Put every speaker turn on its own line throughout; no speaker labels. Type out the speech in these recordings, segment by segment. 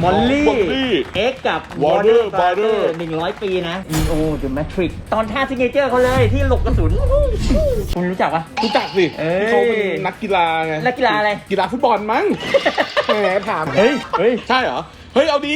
มอลลี่
Molly
เอ็กกับ
Warner
Brother
Brother
100 ปีนะ Neo The Matrix ตอนท่าซิกเนเจอร์เขาเลยที่หลบกระสุน คุณรู้จักปะ
รู้จักสิ
เอ้ย
ที่เขาเป็นนักกีฬาไง
นักกีฬาอะไร
กีฬาฟุตบอลมั้งแหมถาม
เฮ้ย
ใช่เหรอ เฮ้ย เอาดี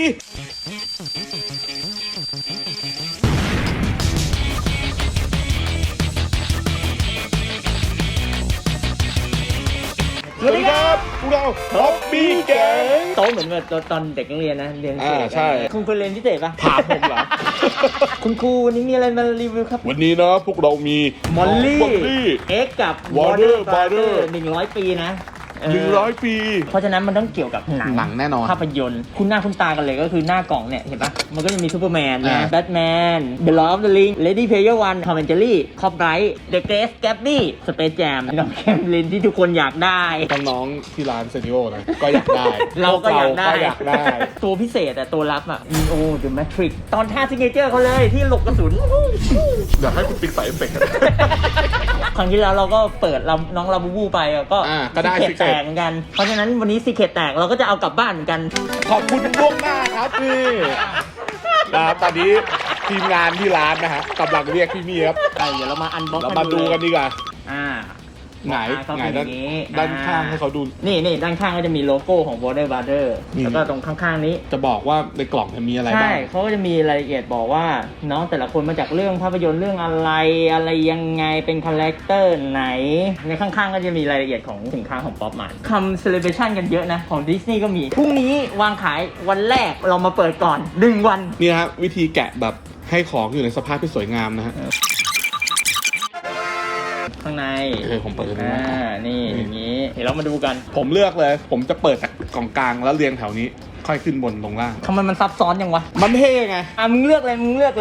สวัสดีครับพวกเราท็อปบี้แกง
โตเหมือนแบบตอนเด็กนักเรียนนะเรียนพิเศษ
ใช่
คุณเคยเรียนพิเศษปะ
ถามผมเหรอ
คุณครูวันนี้มีอะไรมารีวิวครับ
วันนี้นะพวกเรามี
มอลลี่
Molly
เอ็กกับ
Warner
Brother
Brother
100 ปีนะ
100 ปี
เพราะฉะนั้นมันต้องเกี่ยวกับหนัง
หนังแน่นอน
ภาพยนตร์คุณหน้าคุณตากันเลยก็คือหน้ากล่องเนี่ยเห็นปะมันก็จะมีซูเปอร์แมนนะ
อ่า
แบทแมนเดอะลอร์ดออฟเดอะริงเลดี้เพลเยอร์วันทอมแอนเจอรี่คอปไรท์เดอะเกรซแกบบี้สเปซแจมน้องแคมลินที่ทุกคนอยากได้
น้องๆที่ร้านเซนิโอนะก็อยากได้
เราก็อยากได้
พวกเรก็อยากได้
ตัวพิเศษอะตัวลับอะ Neo The Matrix ตอนท่าซิกเนเจอร์เขาเลยที่หลบกระสุน
อยากให้คุณปิ๊กใส่เอฟเฟกต์
ครั้งที่แล้วเราก็เปิดน้องลาบูบูไปอะก็
ก็ได้
ซีเคร็ตแตกเหมือนกัน เพราะฉะนั้นวันนี้ซีเคร็ตแตกเราก็จะเอากลับบ้านเหมือนกัน
ขอบคุณล่วงหน้าครับนี่นะครับตอนนี้ทีมงานที่ร้านนะฮะกำลังเรียกพี่มี่ครับ
เดี๋ยวเรามาอันบ็อก
เรามาดูกันดีกว่า
อ่า
ไหน
เขา
ไหน
เป็นอ
ด้าน
ย่างนี้
ด้านข้างให้เขาดู
นี่ด้านข้างก็จะมีโลโก้ของ Warner Brother
นี่
แล้วก็ตรงข้างๆนี้
จะบอกว่าในกล่องเนี่ยมีอะไร
ใช่
บ้าง
เขาก็จะมีรายละเอียดบอกว่าน้องแต่ละคนมาจากเรื่องภาพยนตร์เรื่องอะไรยังไงเป็นคาแรคเตอร์ไหน ในข้างๆก็จะมีรายละเอียดของสินค้าของป๊อปมาร์ทเซเลบรชันกันเยอะนะ ของดิสนีย์ก็มี พรุ่งนี้วางขายวันแรกเรามาเปิดก่อน 1 วัน
นี่นะครับวิธีแกะแบบให้ของอยู่ในสภาพที่สวยงามนะฮะ
ข้างใน
ผมเปิดเลย
อ่า
นะ
นี่อย่างนี้ เดี๋ยวเรามาดูกัน
ผมเลือกเลย ผมจะเปิดจากกล่องกลางแล้วเรียงแถวนี้ ค่อยขึ้นบนลงล่าง
ทำไมมันซับซ้อนยังวะ
มันเท่ไง
มึงเลือกเลย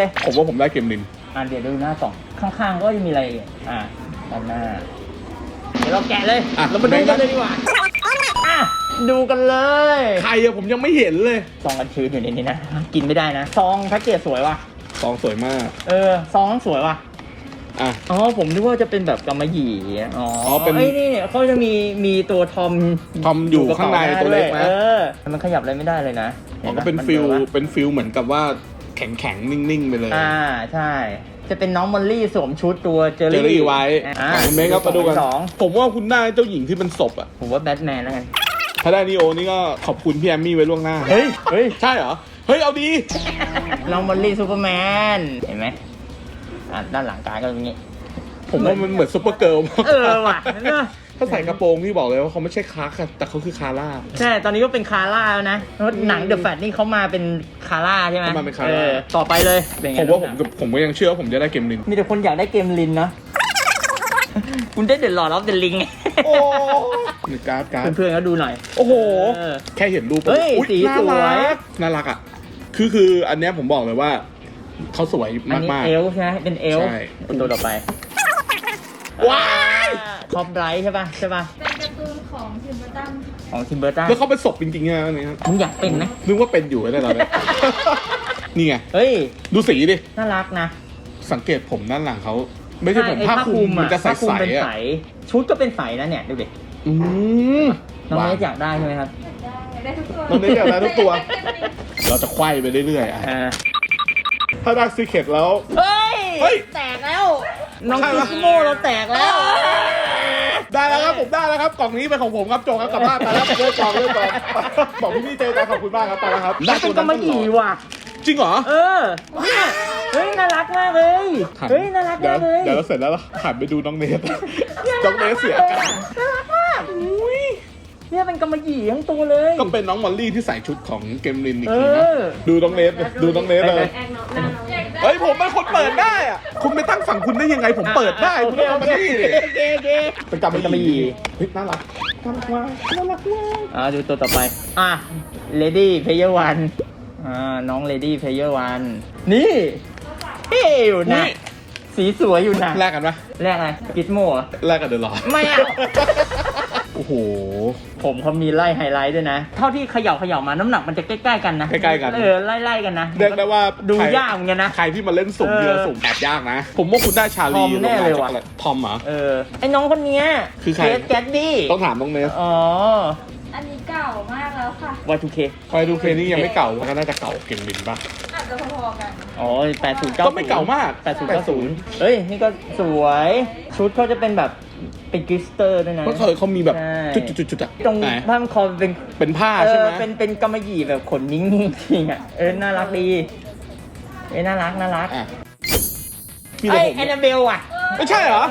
ผมว่าผมได้เกมลิน
เดี๋ยวดูหน้ากล่องข้างๆก็จะมีรายละเอียดด้านหน้า เดี๋ยวเราแกะเลย เรามาดูกันเลยดีกว่าดูกันเลย
ใครอะผมยังไม่เห็นเลย
ซองกันชื้นอยู่ในนี้นะ กินไม่ได้นะ ซองแพ็กเกจสวยว่ะ
ซองสวยมาก
ซองสวยว่ะ
อ่ะ
อ๋อ ผมนึกว่าจะเป็นแบบกำมะหยี่อ๋อ
เป็น
ไอ้นี่เขาจะมีตัวทอม
อยู่ข้างในตัวเล็กนะ
มันขยับอะไรไม่ได้เลยนะ
อ๋อก็เป็นฟิลเหมือนกับว่าแข็งๆ นิ่งๆ ไปเลย
ใช่ จะเป็นน้องมอลลี่สวมชุดตัวเจอ
เจอรี่
รี่
ไว้คุณเมย์ครับมาดูกัน
สอง
ผมว่าคุณได้เจ้าหญิงที่เป็นศพอ่ะ
ผมว่าแบทแมนแล้วกัน
ถ้าได้นีโอนี่ก็ขอบคุณพี่แอมมี่ไว้ล่วงหน้า
เฮ้ย
ใช่เหรอ เฮ้ย เอาดี
น้องมอลลี่ซูเปอร์แมน เห็นไหมด้านหลังกายก็อย่างนี้
ผมว่ามันเหมือนซุปเปอร์เกิร์ลมาก
ว่ะเนอะ
ถ้าใส่กระโปรงนี่บอกเลยว่าเขาไม่ใช่คาร์ค่ะแต่เขาคือคาร่า
ใช่ ตอนนี้ก็เป็นคาร่าแล้วนะเพราะหนังเดอะแฟตนี่เขามาเป็นคาร่าใช่ไหม
เขามาเป็นคาร่า
ต่อไปเลยเป็นไง
ผมว่าผมก็ยังเชื่อว่าผมจะได้เกมลิน
มีแต่คนอยากได้เกมลินเนาะ คุณได้เดอะลอร์ดออฟเดอะลิง
โอ้นี่การ์ด
เพื่อนๆก็ดูหน่อย
โอ้โห
เออ
แค่เห็นรูป
เฮ้ย
อุ๊
สีสวย
น่ารักอ่ะ คืออันเนี้ยผมบอกเลยว่าเขาสวย
อันนี้
มาก
เอลใช่ไหมเป็นเอล
ใช่
ตัวต่อไป
ว้าย
คอปไบรท์ใช่ป่ะ
เป็นการ์ตูนของทิมเบอร์ตันค่ะ
ของทิมเบอร์ตัน
แล้วเขาเป็นศพจริงๆนะอันนี้ครับ
มึงอยากเป็นไหม
นึกว่าเป็นอยู่เลยตอนนี้ นี่ไง
เฮ้ย
ดูสีดิ
น่ารักนะ
สังเกตผมด้านหลังเขาไม่ใช่ผม
ไอ้
ผ้าคลุมมันจะใส
ผ้าคลุมเป็น
ๆ
ใส
อ่ะ
ชุดก็เป็นใสนะเนี่ย ดูดิ
อืม
น้องเนสอยากได้ใช่ไหมครับ
อยากได้ทุกตัว
น้องเนสอยากได้ทุกตัว เราจะไขว้ไปเรื่อยๆอ่ะถ้าได้ซีเคร็ตแล้ว
เฮ้ย
เฮ้ย
แตกแล้ว น้อง
ใช่
คิ
ปะ
สโมเราแตกแล้ว
ได้แล้วครับผมได้แล้วครับกล่องนี้เป็นของผมครับโจครับกลับบ้านไปแล้วเลิกกล่องบอกพี่เจจ้าขอบคุณมากครับไปแล้วครับ
น่าเป็นกำมะหยี่ว่ะ
จริงเหรอ
เนี่ยเฮ้ย น่ารักมากเลย เฮ้ย น่ารัก
เดี๋ย
มาว กเลย
เดี๋ยวเราเสร็จแล้วเราหันไปดูน้องเนสน้องเนสเสียอาการ
น่ารักมากเนี่ยเป็นกำมะหยี่ทั้งตัวเลย
ก็เป็นน้องมอลลี่ที่ใส่ชุดของเกมลินอีกที
เอ
นะ
อ
ดูน้องเนสดูน้องเนสเลย
แอกน้องหน้าน้องอยากได้
เฮ้ยผมเป็นคนเปิดได้อะคุณไปตั้งฝั่งคุณได้ยังไงผมเปิดได้คุณต้องเอามาที่
โอเค
เป็นกำมะหยี่เฮ้ยน่ารักน่ารักมากน่ารักมาก
ดูตัวต่อไป Lady Player One น้อง Lady Player One นี่เท่อยู่นะ สีสวยอยู่นะ
แลกกันปะ
แรกอะไรกิสโม
แลกกันเดี๋ยวรอ
ไม่เอา
โอ้โห
ผมเขามีไล่ไฮไลท์ด้วยนะ เท่าที่เขย่ามาน้ำหนักมันจะใกล้ๆกันนะ
ใกล้ๆกัน
ไล่กันนะ
เรียกได้ว่า
ดู
ใคร
ยากเหมือนกันนะ
ใครที่มาเล่นสุ่มเดียวสุ่มแอบยากนะ ผมว่าคุณได้ชาลี
ทอมแน่เลยว่ะ
ทอมเหรอ
ไอ้น้องคนเนี้ย
คือใคร
เกสแกดดี้
ต้องถามน้องเนส
อ๋อ
อันนี้เก่ามากแล้วค่ะ
Y2K
คอยดูเคนี่ยังไม่เก่ามันก็น่าจะเก่าเก่งบินป่ะ
อาจจะพอๆกัน
อ๋อ80
ก็ไม่เก่ามาก
80 90เอ้ย นี่ก็สวย ชุดเขาจะเป็นแบบเป็นกลิสเตอร์ด้วยนะ
เพราะเขามีแบบ
ใช่
จุดๆๆอะ
ตรง
ไหน
ผ้าพันคอเป็น
เป็นผ้าใช่ไหม
เป็นกำมะหยี่แบบขนนิ่งๆจริงอ่ะ น่ารักดี น่ารัก
อ่ะมี
เอ้
แต่
ย
ผม
แอนนาเบลอ่ะ
ไม่ใช่เหรอ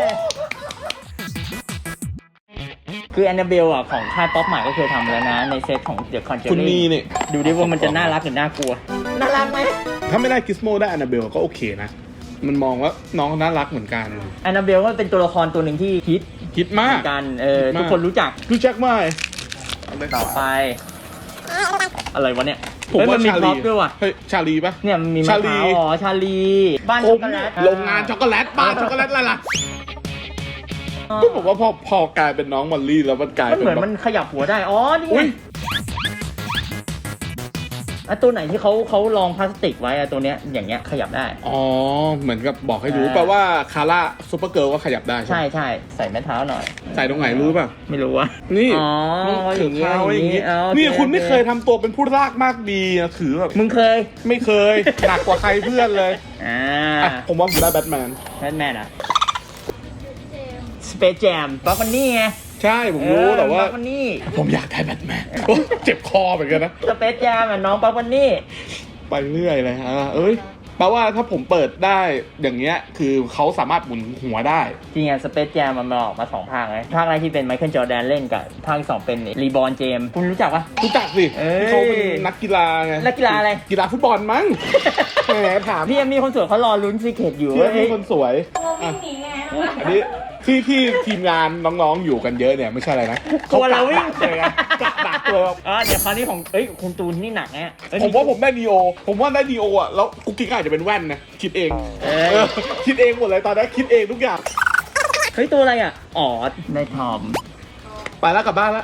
คือแอนนาเบลอ่ะของค่ายป๊อปใหม่ก็เคยทำแล้วนะ ในเซตของ The
คุณ
Conjuring
มีเนี่ย
ดูดิว่ามันจะน่ารักหรือน่ากลัว น่ารักไหม
ถ้าไม่ได้กิสโมได้อนาเบลก็โอเคนะ มันมองว่าน้องน่ารักเหมือนกัน
แอนนาเบลก็เป็นตัวละครตัวหนึ่งที่ฮิต
คิด
เห
มา
มื
ก
อนกัน
ฮิตมาก
ทุกคนรู้จัก
รู้จักไหม
ต่อไป อะไรวะเนี่ย
ผมว่า
เฮ้ยนมี
ชา
พร็
ลี
อปด้วยว่ะ
เฮ้ยชาลีปะ
เนี่ยมันมีมะ
ชา
พ
ลี
ร้าวอ๋อชาลี บ้าน
ผ
ช็อก
ม
โกแลต
โรงงานช็อกโกแลตบ้านช็อกโกแลตอะไรล่ะก็บอกว่าพอกลายเป็นน้องมอลลี่แล้วมันกลาย
มัน
เป็น
เหมือน
แบบ
มันขยับหัวได้ อ๋อ นี่ไง
อุ๊ย
อ่ะตัวไหนที่เขาลองพลาสติกไว้อะตัวเนี้ยอย่างเงี้ยขยับได้
อ๋อเหมือนกับบอกให้รู้แปลว่าคาร่าซูเปอร์เกิร์ลก็ขยับได้ใช่
ใช่
ไหม
ใช่ใส่แม่เท้าหน่อย
ใส่ตรงไหนรู้ป่ะ
ไม่รู้ว่า
นี่
อ๋อ
ถือเท้าไว้อย่างนี้
อ๋อโอเค
นี่คุณไม่
โอเค
เคยทำตัวเป็นผู้รากมากดีนะถือแบบ
มึงเคย
ไม่เคย หนักกว่าใครเพื่อนเลย
อ่า
อ่ะผมว่าผมได้แบทแมน
แบทแมนอะ
เจมส์
สเปซแจมบัฟมันนี่ไง
ใช่ผมรู้แต่ว่า
บัฟมันนี่
ผมอยากได้แบทแมนโอ้เจ็บคอเหมือนกันนะ
สเปซแจมอะน้องบัฟมันนี่
ไปเรื่อยเลยฮะเอ้ยแปลว่าถ้าผมเปิดได้อย่างเงี้ยคือเขาสามารถหมุนหัวได้
จริงอะสเปซแจมมันออกมา2 ภาคเลยภาคแรกที่เป็นไมเคิลจอร์แดนเล่นกับภาคที่ 2 เป็นรีบอร์นเจมคุณรู้จักปะ
รู้จักสิ
เอ้ย
ที่เขาเป็นนักกีฬาไง
นักกีฬาอะไร
กีฬาฟุตบอลมั้งแหมถาม
พี่ยังมีคนสวยเขารอลุ้นซีเคทอยู่
พี่
เว้ย
คนสวย
ตัววิ่งหนีไงน้อง
อันนี้ที่ทีมงานน้องๆอยู่กันเยอะเนี่ยไม่ใช่อะไรนะ
ตัวเราวิ่ง
เลยไงกะดักตัว
เดี๋ยวคราวนี้ของคุณตูนนี่หนักเนี่ย
ผมว่าผมได้ดีโอผมว่าได้ดีโออ่ะแล้วกุ๊กกิ๊กอาจจะเป็นแว่นนะคิดเองเออคิดเองหมดเลยตอนนี้คิดเองทุกอย่าง
เฮ้ยตัวอะไรอ่ะอ๋อได้ทอม
ไปแล้วกลับบ้านแล้ว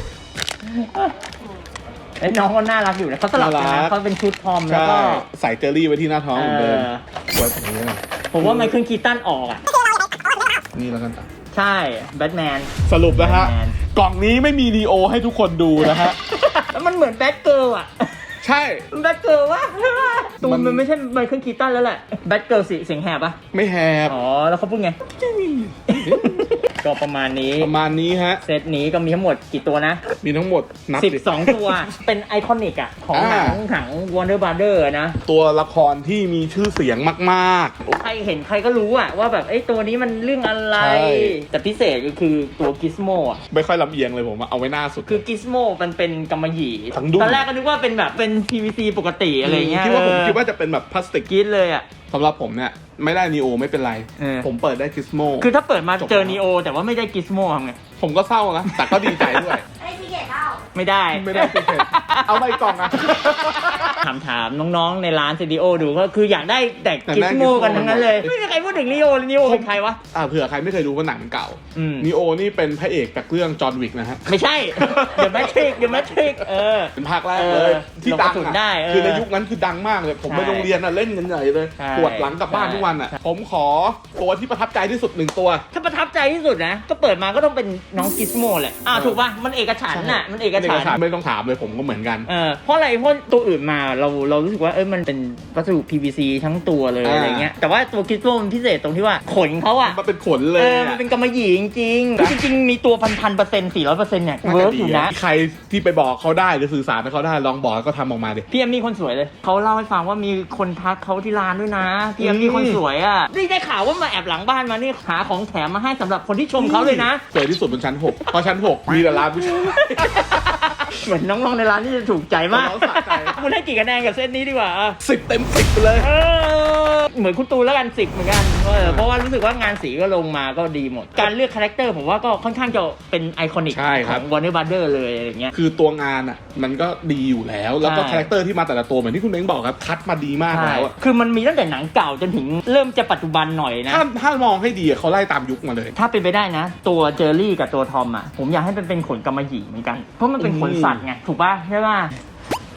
ไอ้น้องก็น่ารักอยู่นะเขาสลับกัน
น่ารั
นะ
ก
เขาเป็นชุดทอมแล้ว
ใช่
ก็
ใส่เจอรี่ไว้ที่หน้าท้องเหมือนเดิม
เออ
ไว้แบบนี้นะ
ผมว่าไมเคิลคีตันออกอ่ะ
นี่แล้วกันจ้ะ
ใช่แบทแมน
สรุปนะฮะ
แบทแมน
กล่องนี้ไม่มีดีโอให้ทุกคนดูนะฮะ
แล้วมันเหมือนแบทเกิร์ลอ่ะ
ใช่
แบทเกิร์ลวะตู
มัน น
มันไม่ใช่ไมเคิลคีตันแล้วแหละแบทเกิร์ลเสียงแหบอ่ะ
ไม่แฮบ
อ๋อแล้วเขาพูดไง ก็ประมาณนี้
ประมาณนี้ฮะ
เซตนี้ก็มีทั้งหมดกี่ตัวนะ
มีทั้งหมดนับดิ
12 ตัว เป็นไอคอนิกอะของหนัง Warner Brother นะ
ตัวละครที่มีชื่อเสียงมาก
ใครเห็นใครก็รู้อะว่าแบบไอ้ตัวนี้มันเรื่องอะไร
ใช่
แต่พิเศษก็คือตัวกิสโมอะ
ๆ ไม่ค่อยลำเอียงเลยผมอะเอาไว้หน้าสุด
คือกิสโมมันเป็นกำมะหยี่
ทั้งดุ้ง
ตอนแรกก็นึกว่าเป็นแบบเป็น PVC ปกติอะไรเงี้ย
คิดว่าผมคิดว่าจะเป็นแบบพลาสติก
กิสเลยอะ
สำหรับผมเนี่ยไม่ได้นีโอไม่เป็นไร
เออ
ผมเปิดได้กิสโม
คือถ้าเปิดมา
จบ
เจอนีโอแต่ว่าไม่ได้กิสโมทำไง
ผมก็เศร้านะ แต่ก็ดีใจด้วย
ไอ้ที่เก็บเล่า
ไม่ได้
ไม่ได้ติดเผ็ดเอาไปกล่องอะ
ถามน้องๆในร้านซีดีโอดูก็คืออยากได้แต่
อยาก
กิ
ได้
สโม
Gizmo
กันทั้งนั้นเลย ไม่มีใครพูดถึงนีโอเลยนีโอเป็นใครวะ
เผื่อใครไม่เคยดูว่าหนังเก่า
อืม
นีโอนี่เป็นพระเอกจากเรื่องจอห์นวิกนะฮะ
ไม่ใช่ The Matrix The Matrix
เป็นภาคแรกเลย ที่ดัง
ลงกระสุน
อะ
ได้
คือในยุคนั้นคือดังมากเลย ผม
ใช่
ไปโรงเรียนอะเล่นกันใหญ่เลย
ใช่
ปวดหลังกลับบ้าน
ใช่
ทุกวันอะผมขอตัวที่ประทับใจที่สุด1 ตัว
ถ้าประทับใจที่สุดนะ ก็เปิดมาก็ต้องเป็นน้องกิสโมแหละถูกป่ะ มันเอกฉันท์น่ะ มันเอกฉันท์
ไม่ต้องถามเลยผมก็เหมือนกัน
เพราะอะไร เพราะตัวอื่นมาเรารู้สึกว่ามันเป็นวัสดุ PVC ทั้งตัวเลย
อ่า
อะไรเงี้ย แต่ว่าตัวกิสโมมันพิเศษตรงที่ว่าขนเขาอะ
มันเป็นขนเลย
มันเป็นกำมะหยี่จริงๆ จริงๆ มีตัว1,000% 400%เนี่ยเวิร์กอยู่นะ
ใครที่ไปบอกเขาได้หรือสื่อสารให้เขาได้ลองบอกก็ทำออกมาดิ
พี่เอ็มมี่คนสวยเลย เขาเล่าให้ฟังว่ามีคนทักเขาที่ร้านด้วยนะ พี่เอ็มมี่คนสวยอ่ะนี่ได้ข่าวว่ามาแอบหลังบ้านมานี่หาของแถมมาให้สำหรับคนที่ชมเขาเลยนะ
สวยที่สุดบนชั้น 6เพราะชั้น 6 มีแต่ร้านผู้ชาย
เหมือนน้องๆในร้านที่จะถูกใจมาก
น้องสะใจ
คุณให้กี่คะแนนกับเซตนี้ดีกว่า
10 เต็ม 10ไปเลย
เหมือนคุณตูนแล้วกัน10เหมือนกันเพราะว่ารู้สึกว่างานสีก็ลงมาก็ดีหมด การเลือกคาแรคเตอร์ผมว่าก็ค่อนข้างจะเป็นไอคอนิก
ใช่ค
ข
รั
อบ ง Warner Brother เลยอะไรเงี้ย
คือตัวงานอ่ะมันก็ดีอยู่แล้ว แล้วก็
ใช่
คาแรคเตอร์ที่มาแต่ละตัวเหมือนที่คุณเม้งบอกครับคัดมาดีมากแล้วอะ
คือมันมีตั้งแต่หนังเก่าจนถึงเริ่มจะปัจจุบันหน่อยนะ
ถ้ามองให้ดีอะเขาไล่ตามยุคมาเลย
ถ้าเป็นไปได้นะ ตัวเจอรี่กับตัวทอมอ่ะผมอยากให้มันเป็นขนกำมะหยี่เหมือนกัน เพราะมันเป็นขนสัตว์ไงถูกป่ะใช่ป่ะ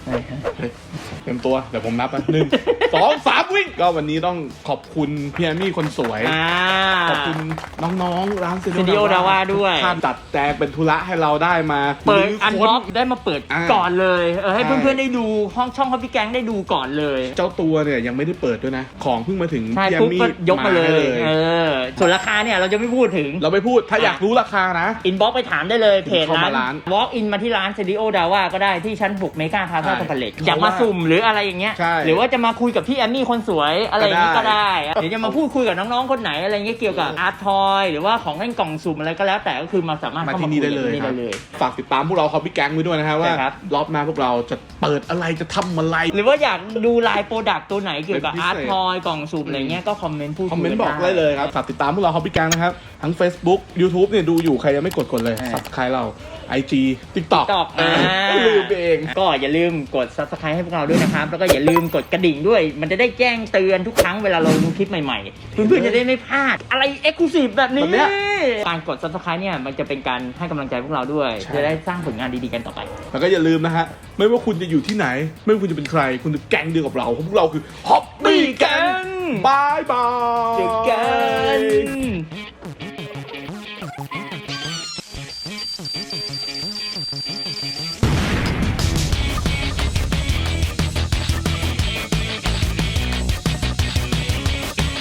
เตรียมตัวเดี๋ยวผมนับนะ1 2 3วิ่งก็วันนี้ต้องขอบคุณพี่แอมมี่คนสวยขอบคุณน้องๆร้าน
สตูดิโอดาวาด้วย
ท่านจัดแจงเป็นธุระให้เราได้มา
เปิดอันบ็อกได้มาเปิดก่อนเลยให้เพื่อนๆได้ดูช่องของพี่แก๊งได้ดูก่อนเลย
เจ้าตัวเนี่ยยังไม่ได้เปิดด้วยนะของเพิ่งมาถึงพี่แอมมี่
ยกมาเลยส่วนราคาเนี่ยเราจะไม่พูดถึง
เราไม่พูดถ้าอยากรู้ราคานะ
อินบ็อกไปถามได้เลยเพจร้าน Walk in มาที่ร้านสตูดิโอดาวาก็ได้ที่ชั้น6เมกาพาซาคอมเพล็กซ์อยากมาสุ่มหรืออะไรอย่างเงี้ยหรือว่าจะมาคุยกับพี่แอมมี่คนสวยอะไรอย่างงี้ก็ได้เดี๋ยวจะมาพูดคุยกับน้องๆคนไหนอะไรเงี้ยเกี่ยวกับอาร์ตทอยหรือว่าของเล่นกล่องสุ่มอะไรก็แล้วแต่ก็คือมาสามารถเข้ามาคุยได้เลย
ฝากติดตามพวกเราฮอปปี้แก๊งไว้ด้วยนะครับว่ารอบหน้าพวกเราจะเปิดอะไรจะทำอะไร
หรือว่าอยากดูไลน์โปรดักต์ตัวไหนเกี่ยวกับอาร์ตทอยกล่องสุ่มอะไรเงี้ยก็คอมเมนต์พูดคุย
บอกได้เลยครับฝากติดตามพวกเราฮอปปี้แก๊งนะครับทั้ง Facebook YouTube เนี่ยดูอยู่ใครยังไม่กดเลย Subscribe เรา IG TikTok ลืมเอง
ก็อย่าลืมกด Subscribe ให้พวกเราด้วยนะครับแล้วก็อย่าลืมกดกระดิ่งด้วยมันจะได้แจ้งเตือนทุกครั้งเวลาเราลงคลิปใหม่ๆเพื่อนๆจะได้ไม่พลาดอะไร Exclusive แบบนี้การกด Subscribe เนี่ยมันจะเป็นการให้กำลังใจพวกเราด้วยจะได้สร้างผลงานดีๆกันต่อไป
แล้วก็อย่าลืมนะฮะไม่ว่าคุณจะอยู่ที่ไหนไม่ว่าคุณจะเป็นใครคุณจะแก๊งเดียวกับเราพวกเราคือ Hobby Gang บาย